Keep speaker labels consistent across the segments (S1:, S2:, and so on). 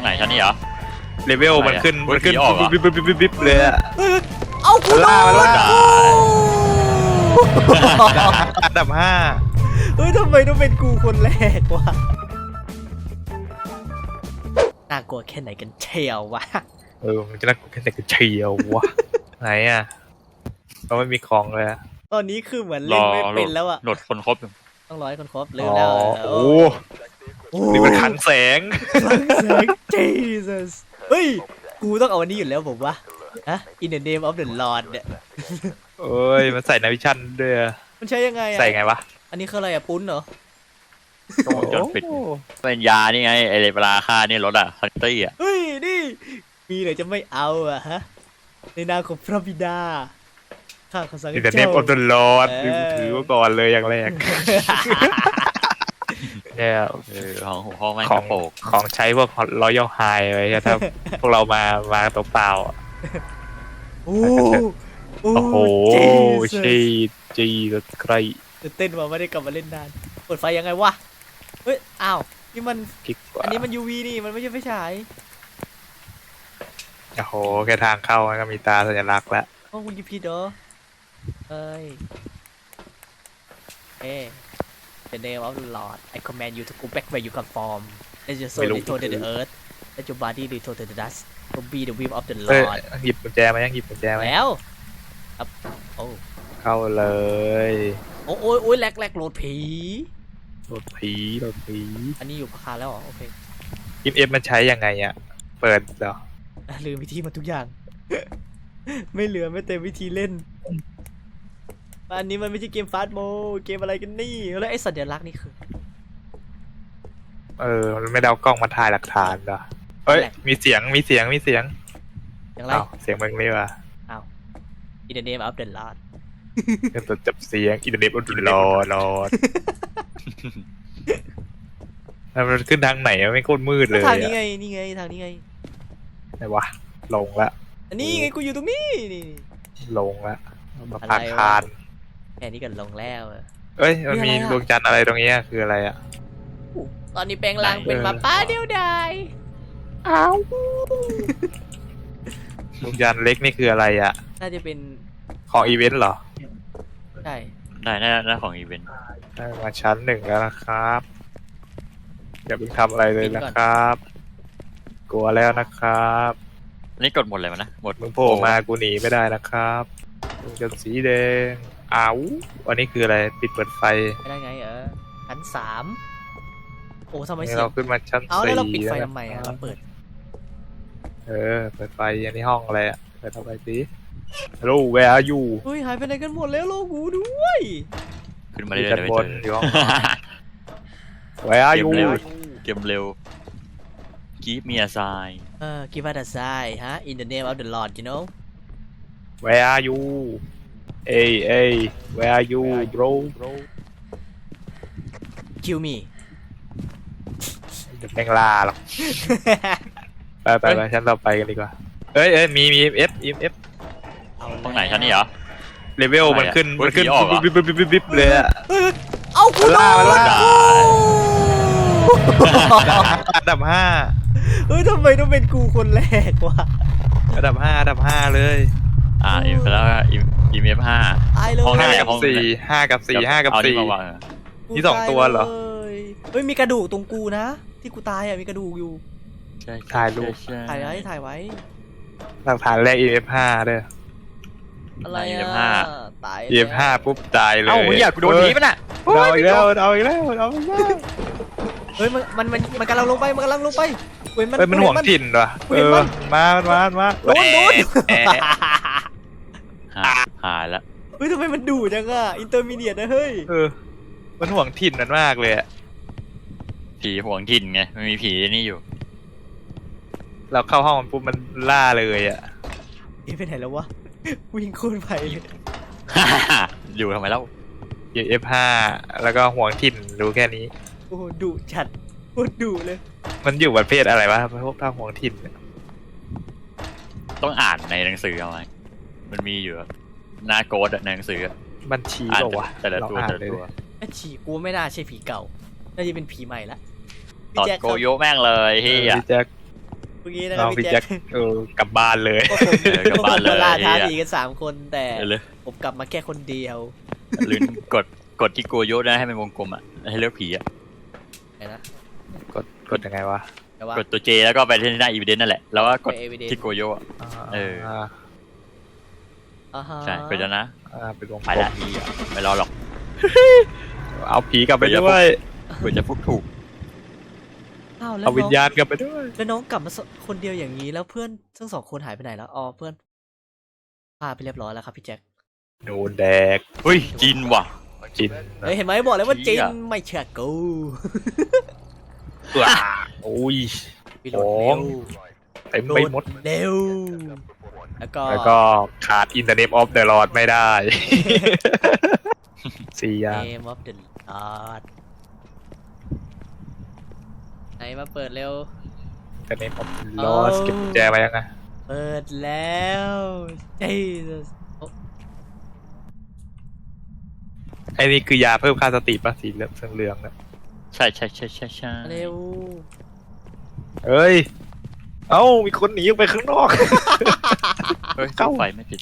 S1: รงไหนชั้นนี้เหรอ
S2: เลเวลมันขึ้น
S1: ออก
S2: บิ๊บเลยอะ
S3: เอากูล่า
S2: อันดับ5
S3: เฮ้ยทำไมต้องเป็นกูคนแรกวะน่ากลัวแค่ไหนกันเชียววะ
S2: มันจะน่ากลัวแค่ไหนกันเชียววะไหนอะเราไม่มีของเลยอะ
S3: ตอนนี้คือเหมือนเล่นไม่เป็นแล้วอะ
S1: โหลดคนครบ
S3: ต้องรอให้คนครบลืมแล้ว
S2: โอ้นี่มันขังแสง
S3: Jesus เฮ้ยกูต้องเอาอันนี้อยู่แล้วผมว่าฮะ In the name of the Lord เนี่ย
S2: มันใส่นาวิชั่นด้วย
S3: มันใช้ยังไงอะ
S2: ใส่ไงวะ
S3: อันนี้คืออะไรอะปุ้นเหรอ
S1: จนปิดเป็นยานี่ไงไอเวลาค่านี่รถอะคันตี้อะ
S3: เฮ้ยนี่มีไหนจะไม่เอาอะฮะในนามของพระบิดาข้าขอสั่งให้เจ้า
S2: In the name of the Lord ถือว่าก่อนเลยอย่างแรกเนี่ย
S1: ของพ่อแม่
S2: ของใช้พวก Royal High ไว้ถ้าพวกเรามาตัวเปล่า
S3: โอ้
S2: โหจีใคร
S3: เต้นมาไม่ได้กลับมาเล่นนานเปิดไฟยังไงวะเฮ้ยอ้าวนี่มันอันนี้มัน UV นี่มันไม่ใช่ไฟฉาย
S2: โอ้โหแค่ทางเข้ามันก็มีตาสัญลักษณ์แล้ว
S3: โอ้คุณยิพีดเหรอเอ้ยThe name of the Lord I command you to go back where you come from let your soul return to the earth let your body return to the dust to be the will of the Lord
S2: หยิบกุญแจมายังหยิบกุญแจมา
S3: แล้วครับโอ้
S2: เข้าเลย
S3: โอ้ยแลกโหลดผีอันนี้อยู่พาแล้วเหรอโอเค
S2: เอฟมันใช้ยังไงอ่ะเปิดเหรอ
S3: ลืมวิธีมาทุกอย่างไม่เหลือไม่เต็มวิธีเล่นอันนี้มันไม่ใช่เกมฟาสต์โมเกมอะไรกันนี่แล้วไอ้สัญลักษณ์นี่คือ
S2: มันไม่ได้เอากล้องมาถ่ายหลักฐานเหรอมีเสียง
S3: อย่างไร
S2: เสียงมึงนี่วะ
S3: In the name of the Lord
S2: ตัวจับเสียง In the name of the Lord แล้วมันขึ้นทางไหนไม่โคตรมืดเลย
S3: ทางนี้ไงนี่ไงทางนี้ไง
S2: ไหนวะลงละ
S3: อันนี้ไงกูอยู่ตรงนี้นี่
S2: ลงละมาพักคาน
S3: แค่นี้กันลงแล้ว
S2: มันมีดวงจันทร์อะไรตรงนี้คืออะไรอ่ะ
S3: ตอนนี้แปลงร่างเป็นหมาป้าเดียวดาย
S2: ดวงจันทร์เล็กนี่คืออะไรอ่ะ
S3: น่าจะเป็น
S2: ของอีเวนต์เหรอ
S3: ใช่
S1: ได้ของอีเวนต์
S2: ได้มาชั้น1แล้วนะครับอย่าเพิ่งทำอะไรเลยนะครับกลัวแล้วนะครับ
S1: นี่กดหมดเลยมั้ยนะหมด
S2: มึงโผล่มากูหนีไม่ได้นะครับดวงจันทร์สีแดงอันนี้คืออะไรปิดเปิดไฟ
S3: ไม่ได้ไงชั้น3โอ้ทำไม
S2: เราขึ้นมาชั้น4
S3: แล้วเราปิดไฟทำไมเราเปิด
S2: เปิดไฟอันนี้ห้องอะไรอ่ะเปิดทำไมสิHello where are you
S3: เฮ้ยหายไปไหนกันหมดแล้วโลกูด้วย
S1: ขึ้นมาเลย
S2: บนอยู่ห้อง Where are you
S1: เกมเร็ว Give me a sign
S3: Give us a sign In the name of the Lord you know
S2: Where are you Hey Where are you bro
S3: Kill me
S2: จะแม่งล่าหรอกไปชั้นต่อไปกันดีกว่ามี EMF
S1: ตรงไหนชั้นนี้เหรอ
S2: เลเวลมันขึ้นบิ๊บเลยอะ
S3: เอากูล่า
S2: อันดับ5
S3: เฮ้ยทำไมต้องเป็นกูคนแรกวะ
S2: อันดับ5เลย
S1: อีกแล้วEMF 5
S3: ห้อง
S2: 5 กับ 4นี่2ตัวเหรอ
S3: เฮ้ยมีกระดูกตรงกูนะที่กูตายมีกระดูกอยู่
S2: ถ่ายรูป
S3: ถ่ายไว้
S2: หลักฐานแรก EMF 5ด้วย
S3: อะไรตาย
S2: EMF 5ปุ๊บตายเลย
S1: มึงอยากโดนผีป่ะน่ะ
S2: เอาอีกแล้ว
S3: เฮ้ยมันกำลังลงไปมัน
S2: ห่วงถิ่นว่ะมา
S3: โดน
S1: หายแล้ว
S3: เฮ้ยทำไมมันดุจังอินเตอร์มีเดียนะเฮ้ย
S2: มันห่วงถิ่นมันมากเลย
S1: ผีห่วงถิ่นไงมันมีผีนี่อยู่
S2: เราเข้าห้องมันปุ๊บมันล่าเลย
S3: ไปไหนแล้ววะวิ่งโคตรไป
S1: อยู่ทำไมเล่า
S2: F5 แล้วก็ห่วงถิ่นรู้แค่นี้
S3: โอ้ดุจัดโคตรดุเลย
S2: มันอยู่ประเภทอะไรวะพวกท่าห่วงถิ่น
S1: ต้องอ่านในหนังสือเอาไว้มันมีอยู่หน้าโกดในหนังสือ
S2: มันชี้บอกว่า
S1: แต่ละตัว
S3: ฉี่กูไม่น่าใช่ผีเก่าน่าจะเป็นผีใหม่ละ
S1: ตอดโกโยแม่งเลยเฮีย
S3: เมื่อกี้นะค
S2: น้
S3: รั
S2: อบ ง
S3: พี่
S2: พี่
S3: แจ็
S2: แจ็
S3: ค
S2: คกลับบ้านเลย
S3: พวกผม
S1: กลับบ้านเลย
S3: ล่าท้าผีกัน3 คนแต่
S1: เลย
S3: ผมกลับมาแค่คนเดียว
S1: หรือกดที่โกโยนะให้เป็นวงกลมอ่ะให้เลือกผีอ่ะ
S3: ไหนนะ
S2: กดยังไงวะ
S3: แต่ว่าก
S1: ดตัวเจแล้วก็ไปที่หน้าอีเวนต์นั่นแหละแล้วก็กด
S3: ไป evidence
S1: ที่โกโยอะ เออ
S3: ฮะ
S1: ใช่กดแล้วนะ
S2: เป็นวง
S1: ไปละผีอะไม่รอหรอก
S2: เอาผีกลับไปด้วย
S1: กดจะฟุกถูก
S3: อ้าวแล้ว
S2: เอาวิ
S3: น้
S2: ญ
S3: อง
S2: ญาณกลับไปด้วย
S3: แล้วน้องกลับมาคนเดียวอย่างนี้แล้วเพื่อนทั้ง2 คนหายไปไหนแล้วอ๋อเพื่อนพาไปเรียบร้อยแล้วครับพี่แจ็ค
S2: โดนแดก
S1: เฮ้ยจินว่ะ
S2: จิน
S3: เฮ้ยเห็นไหมบอกเลยว่า
S1: เหี้
S3: จิ
S1: ย
S3: นไม่เชื่อกู
S2: ว้าโอ้ย
S3: พี่โหลด
S2: ข
S3: เร็
S2: อง
S3: ว
S2: เต็มไปหมด
S3: เร็วแล้วก็
S2: ขาดอินเทอร์เน็ตออฟเดอะลอดไม่ได้ 4 อย่าง
S3: Name of the Lord ไหนมาเปิดเร็ว
S2: อินเทอร์เน็ตออฟเดอะลอดเก็บกุญแจมายังไง
S3: เปิดแล้ว Jesus
S2: ไอ้นี่คือยาเพิ่มค่าสติป่ะสีเหลืองๆนะ
S1: ใช่ใช่
S3: เร็ว
S2: เอ้ย เอ้ามีคนหนีออกไปข้างนอก
S1: เฮ้ย
S2: เข้า
S1: ไฟไม่ติด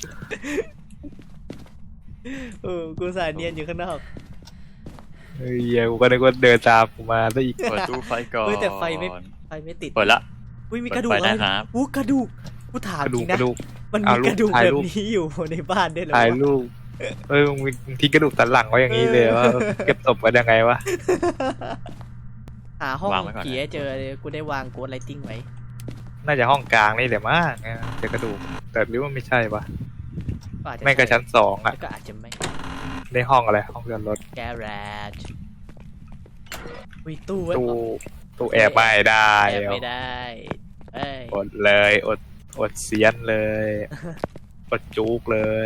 S3: กูสายเนียนอยู่ข้างนอก
S2: เฮ้ยกูก็นึกว่าเดินตามกูมาซะอีก
S1: เปิดตู้ไฟก่อน
S3: เฮ้ยแต่ไฟไม่ติด
S1: เปิดละ
S3: อุ้ยมีกระดูก
S1: เปิดไฟ
S3: อะไร
S1: นะครับ
S3: อู้กระดูกกูถาม
S2: กระ
S3: จ
S2: ดู
S3: ริ
S2: ก
S3: ง
S2: ก
S3: นะ
S2: ระดูก
S3: มันมี
S2: เอารูป
S3: กระดูก
S2: ถ่าย
S3: แบบ
S2: รูป
S3: นี้อยู่ในบ้านด้วยเหรอ
S2: ถ่ายว รูปมึงทิ้งกระดูกสันหลังไว้อย่างนี้เลยว่าเก็บศพไว้ยังไงวะ
S3: หาห้อง
S1: วางไว้ก่อนนะ
S3: ผีให้เจอเลยกูได้วางโกดไลติ้งไว้
S2: น่าจะห้องกลางนี่แหละมั้งเจอกระดูกแต่หรือว่าไม่ใช่วะ
S3: อาจจะ
S2: ไม่ก็ชั้น2อ่ะ
S3: ก็อาจจะไม่
S2: ในห้องอะไรห้องจอดรถ
S3: แกรจอุ้ยตู้ไว้
S2: ตู้แอบไม่ได้
S3: แอบไม่ได้เอ้ย
S2: อดเลยอดเสียนเลยอดจุกเลย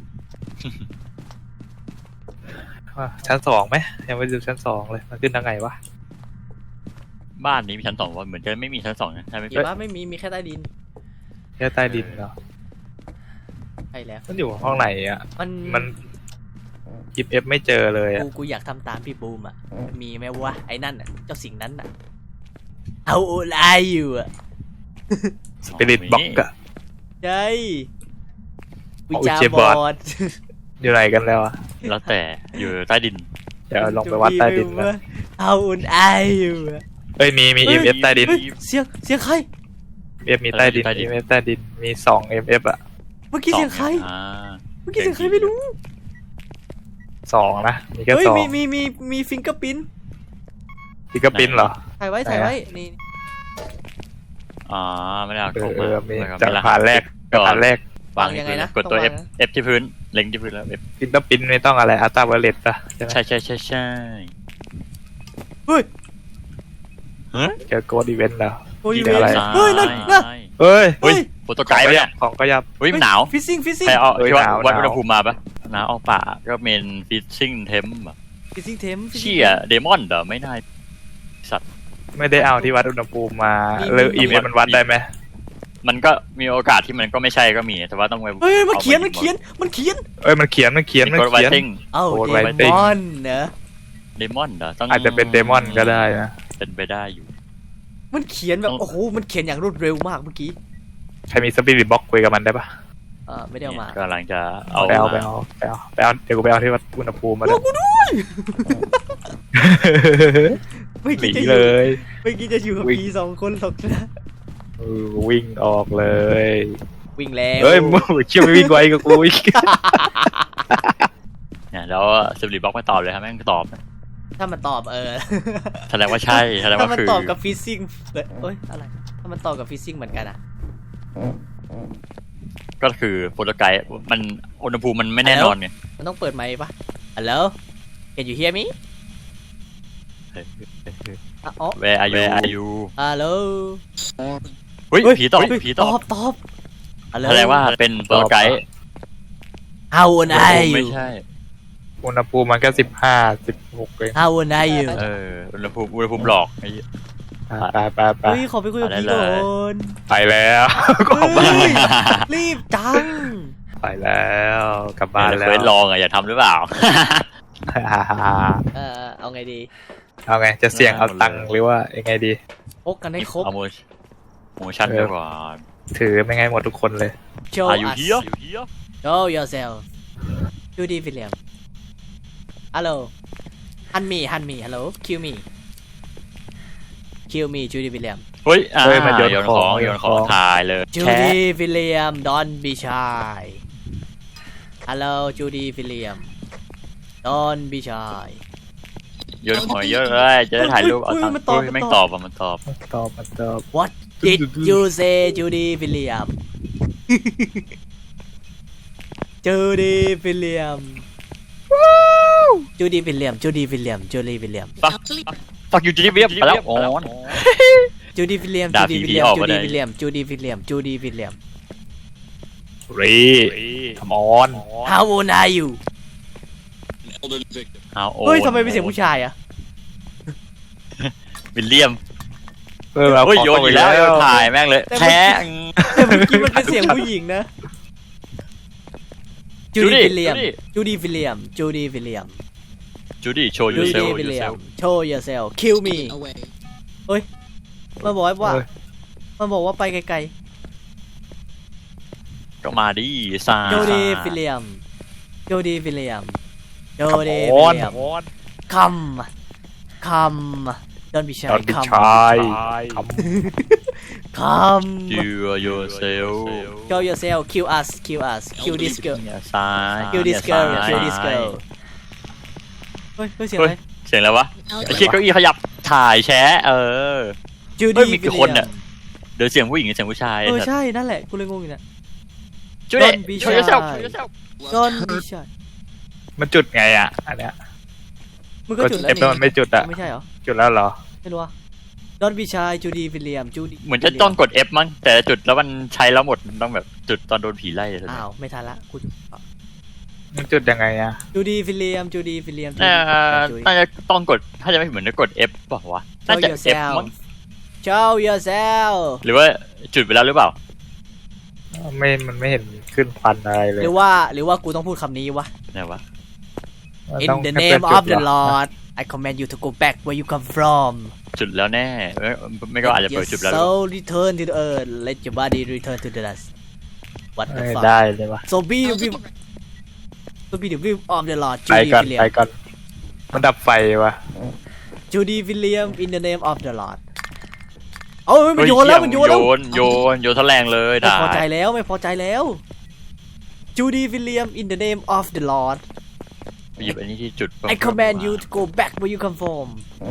S2: ชั้น2ไหมยังไม่ดูชั้น2เลยมันขึ้นทางไงวะ
S1: บ้านนี้มีชั้น 2ว่าเหมือนจะไม่มีชั้น 2นะใช่ไหม
S3: เห็นว่าไม่มีแค่ใต้ดิน
S2: แค่ใต้ดินเหรอ
S3: ใช่แล้ว
S2: มันอยู่ห้องไหนอ่ะ
S3: มัน
S2: กิฟเอฟไม่เจอเลยอ่ะ
S3: กูอยากทำตามพี่บูมอ่ะมีไหมวะไอ้นั่นอ่ะเจ้าสิ่งนั้นอ่ะเอาอะไรอยู่อ่ะ
S2: สปิริตบ็อกอะ
S3: ใช่วิ
S2: เอา
S3: จา
S2: เจ็บบ อ
S3: อ
S2: ด
S3: ด
S2: อยู่ไหนกันแล้วอ่ะ
S1: แล้วแต่อยู่ใต้ดิน
S2: เดี๋ยวลองไปวัดใต้ดินนะ
S3: เอาอุ่นไออยู่อะ
S2: เอ้ยมี
S3: เฮ้ย
S2: EMF ใต้ดิน
S3: เฮ้ยเสียงใคร
S2: EMF มีใต้ดิน
S1: ใต้ดิน
S2: EMF ใต้ดินมี2 EMF อ่ะ
S3: เมื่อกี้เสียงใคร
S1: อ่า
S3: เมื่อกี้เสียงใครไม่รู้
S2: 2นะมีแค่
S3: เฮ้ย
S2: 2
S3: มีฟิงเกอร์ปิ้น
S2: ฟิกเกอร์ปินเหรอ
S3: ถ่ายไว้นี่
S1: อ๋อไม่ได้เอาเข้า
S2: เอ
S1: มา
S2: อมี
S1: แล้ว
S2: จาก
S1: ไม่
S2: ผ่านแรก
S1: ก่อน
S2: ผ่านแรก
S1: วางที่พื้นกดตัว F F ที่พื้นเล็งที่พื้นแล้ว F
S2: ฟิกเกอร์ปินไม่ต้องอะไรอัลตราไวเลตป่ะใช่ไหม
S1: ใช่
S3: เฮ้ย
S2: เจอโกดอีเวนต์แล้ว
S3: โอ้ย
S2: นี่
S3: เว
S2: อะไร
S3: นเฮ้ยนั่น
S2: เฮ้ย
S1: เฮ้ยโฟโตไกด์ปะเนี่ย
S2: ของก็ยับ
S1: เฮ้ยมันหนาว
S3: ฟิซซิ่ง
S1: ใครเอา
S2: เอ้ย
S1: ที่วัด
S2: หนาว
S1: วัด
S2: หนาว
S1: อุณหภูมิมาปะหนาวเอาป่าก็เมนฟิชซิ่งเทม
S3: ฟิซซิ่งเทม
S1: เชี่ยเดมอนเหรอไม่ได้สัตว์
S2: ไม่ได้เอาที่วัดอุณหภูมิมาแล้ว EMF มันวัดได้ไหม
S1: มันก็มีโอกาสที่มันก็ไม่ใช่ก็มีแต่ว่าต้องไป
S3: เฮ้ยมันเขียน
S1: อา
S3: มันเขียน
S2: เอ้ยมันเขียน
S1: มีกดไวติ้ง
S3: เอ้า
S2: โอ้ย
S3: เด
S2: ไวติ้ง
S3: มอนเนอะ
S1: เดมอนเหรอต้อง
S2: อาจจะเป็นเดมอนก็ได้นะ
S1: เป็นไปได้อยู่
S3: มันเขียนแบบโอ้โหมันเขียนอย่างรวดเร็วมากเมื่อกี้
S2: ใครมีสปิริตบ็อกคุยกับมันได้ปะ
S3: ไม่ได้เอามา
S1: กำลังจะเอา
S2: ไปเอาเดี๋ยวกูไปเอาที่วัดอุณหภูมิมาเลย
S3: ไม่
S2: หนี
S3: คิดจะอ
S2: เล
S3: ยู่
S2: ย
S3: ไม่คิดจะอยู่กับ
S2: วิ่ง
S3: ผี2 คนหรอกนะ
S2: วิ่งออกเลย
S3: วิ่งแล้ว
S2: เฮ้ยมึงเชี่ยวไม่วิ่งไวกับกูอีก
S1: เนี่ยแล้วสิบลีบล็อกไม่ตอบเลยครับแม่งตอบ
S3: ถ้ามันตอบ
S1: แสดงว่าใช่แสดง
S3: ถ้า
S1: ว่า
S3: มัน
S1: คือ
S3: ตอบกับฟิซซิ่งเอ้ยอะไรถ้ามันตอบกับฟิซซิ่งเหมือนกันอ่ะ
S1: ก็คือโฟโตไกด์มันอุณหภูมิมันไม่แน่นอนไง
S3: มันต้องเปิดไมค์ปะฮัลโหล Can you hear me อ๋อ
S1: Where are you
S3: ฮัลโหล
S1: เฮ้ยผีตอบผีตอบ
S3: ตอบฮัลโหล
S1: แสดงว่าเป็นโฟโตไกด์
S3: How old are
S1: ไม่
S3: you
S1: ใช่
S2: อุณหภูมิมันก็15-16เอง
S3: How old are you
S1: อุณหภูมิหลอกไอ้เหี้ย
S2: ไป
S3: เฮ้ยขอไปคุยกับ
S1: อะไร
S3: พี่
S1: เลย
S3: ก่อน
S2: ไปแล้วก็ออกบ้าน
S3: เฮ้ยรีบจัง
S2: ไปแล้วกลับบ้าน
S1: แต่
S2: แล้
S1: เคว สลองอ่ะอย่าทำหรือเปล่า
S3: เอาไงดี
S2: เอาไงจะเสี่ยงเอาตังค์หรือว่ายังไงดี
S3: พกกันให้ครบ
S1: เอาโมโมชั่นไปก่อน
S2: ถือไม่ไงหมดทุกคนเลย
S3: show
S1: อยู่
S3: us
S1: เฮีย
S3: show yourself Judy William hello hunt me hello kill me Judy William
S1: เฮ้ย
S2: เฮ้ยมันโยน
S1: โยน
S2: ข
S1: ข
S2: อ
S1: อง งโยนของถ่ายเลยแชะ
S3: Judy William don't be shy hello Judy William don't be shy
S1: โยนของเยอะเลยจะได้ถ่ายรูปเอาตัง
S3: มัน
S1: ค์
S3: ตอบ
S1: ไม่ตอบอ่ะมันตอบ
S2: มันตอบ
S3: what did you say Judy William Judy William Judy William
S1: ฟักอยู่จีดีเวียบไปแล้วอ๋อ
S3: Judy William
S1: ด่า
S3: Judy
S1: ผี
S3: William
S1: ออกมาได้
S3: Judy William
S2: รีคอมอน
S3: How old are you
S1: เอาโอ้
S3: เฮ้ยทำไมเป็นเสียงผู้ชายอะ
S1: วิลเลียม
S2: เรา
S1: เฮ้ยโยนอีกแล้วโยนถ่ายแม่งเลยแชะ
S3: แต่เมื่อกี้มันเป็นเสียงผู้หญิงนะ Judy
S1: Judy
S3: William Judy William
S1: จูดี้โชว์ยูเซ
S3: Judy
S1: ล
S3: William show yourself kill me มันบอกว่ามันบอกว่าไปไกล
S1: ก็มาดิซา
S3: ๆ Judy William Judy William
S2: คอ
S3: Judy
S2: มอน
S3: William
S2: คอมอน
S3: come don't be shy
S2: ตอนบิ
S3: come
S2: ชายค
S3: come
S1: ยูยูเซล
S3: show yourself kill this girl
S1: เนี่ยซ้าย
S3: kill this
S1: เนี่ย
S3: girl
S1: ซ้าย
S3: kill this girl เฮ้ยเสียงอะไร
S1: เสียงอะไรวะไอ้เชี่ยเก้าอี้ขยับถ่ายแชะเฮ้ย
S3: Judy
S1: มีกี่คนเนี่ย เดี๋ยวเสียงผู้หญิงกับเสียงผู้ชาย
S3: ใช่นั่นแหละกูเลยงงอยู่นะ
S1: จูดี้
S3: Don't be
S1: โชว์ยูเซล
S3: shy Don't be shy
S2: มันจุดไงอ่ะอันเนี้ย
S3: มึงก็
S2: ก็
S3: จุด
S2: เอ
S3: แล้ว
S2: ฟมันไม่จุดอ่ะ
S3: ไม่ใช่เหรอ
S2: จุดแล้วเหรอ
S3: ไม่รู้ว่า Don't be shy Judy William Judy
S1: เหมือนจะต้องกด F มั้งแต่จุดแล้วมันใช้แล้วหมดมันต้องแบบจุดตอนโดนผีไล่เลย
S3: อ้าวไม่ทันละกู
S2: มันจุดยังไงอ่ะ
S3: Judy William
S1: น่าจะต้องกดถ้าจะไม่เหมือนจะกด F บอกว่าวะน่า
S3: Show
S1: จะ F
S3: yourself
S1: มั้ง
S3: Show yourself
S1: หรือว่าจุดไปแล้วหรือเปล่า
S2: มันไม่เห็นขึ้นฟันอะไรเลย
S3: หรือว่ากูต้องพูดคำนี้วะ
S1: ไหนวะ
S3: In
S2: ต้อง
S3: the
S2: ให้
S3: name
S2: เพื่น
S3: of
S2: จุ
S3: the
S2: ดเหรอ
S3: Lord I command you to go back where you come from
S1: จุดแล้วแน่ไม่ก็อาจจะ
S3: Let
S1: เปิด
S3: your
S1: จุดแล้ว
S3: soul return to the earth Let your body return to the dust What the
S2: ไม่
S3: fuck
S2: ได้เลยวะ
S3: So be the will of the Lord
S2: ไป
S3: Judy
S2: ก่อน
S3: William
S2: ไปก่อนมันดับไฟวะ
S3: Judy William in the name of the Lord เอ้ยมันโยนแล้วมันโยนแล้ว
S1: โยนทะแรงเลย
S3: ไม่
S1: ด่า
S3: พอใจแล้ว Judy William in the name of the Lord
S1: ไปหยิบอันนี้ที่จุด
S3: I command you to go back where you come from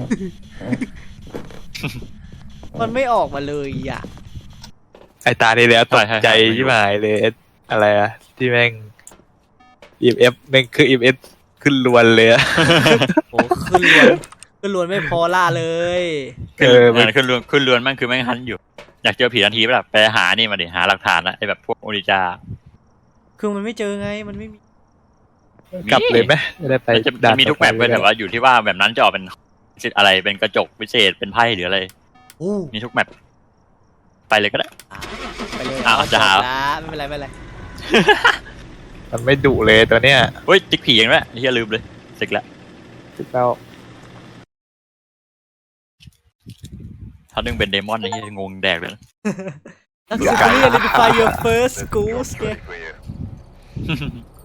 S3: มันไม่ออกมาเลยอ่ะ
S2: ไอตาที่แล้วตกใจใช่ไหมเลยอะไรอะที่แม่งEMF แม่งคือ EMF ขึ้นลวนเลยอะ
S3: โอ้ขึ้นลวนไม่พอล่าเลย
S1: ขึ้นเรือนมันคือแม่งฮันอยู่อยากเจอผีทันทีป่ะล่ะไปหานี่มาดิหาหลักฐานนะไอแบบพวกโอริจา
S3: คือมันไม่เจอไงมันไม่มี
S2: กลับเลยไหมไม่ได้ไป
S1: จะมีทุกแมปเลยแต่ว่าอยู่ที่ว่าแบบนั้นจะออกเป็นอะไรเป็นกระจกพิเศษเป็นไพ่หรืออะไร
S3: อู้
S1: มีทุกแมปไปเลยก็ได้
S3: ไปเลย
S1: อ้าวจะหา
S3: ไม่เป็นไร
S2: มันไม่ดุเลยตัวเนี้ย
S1: เฮ้ยติ๊กผีเองด้วยเฮียลืมเลยเสร็จแล้ว
S2: ที่เรา
S1: ถ้านึงเป็นเดมอนนี่งงแดกเลยนะ
S3: Successfully identify your first ghost ไง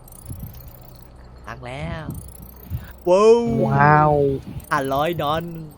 S3: ตักแล้วว้าว
S2: ว้าว
S3: $500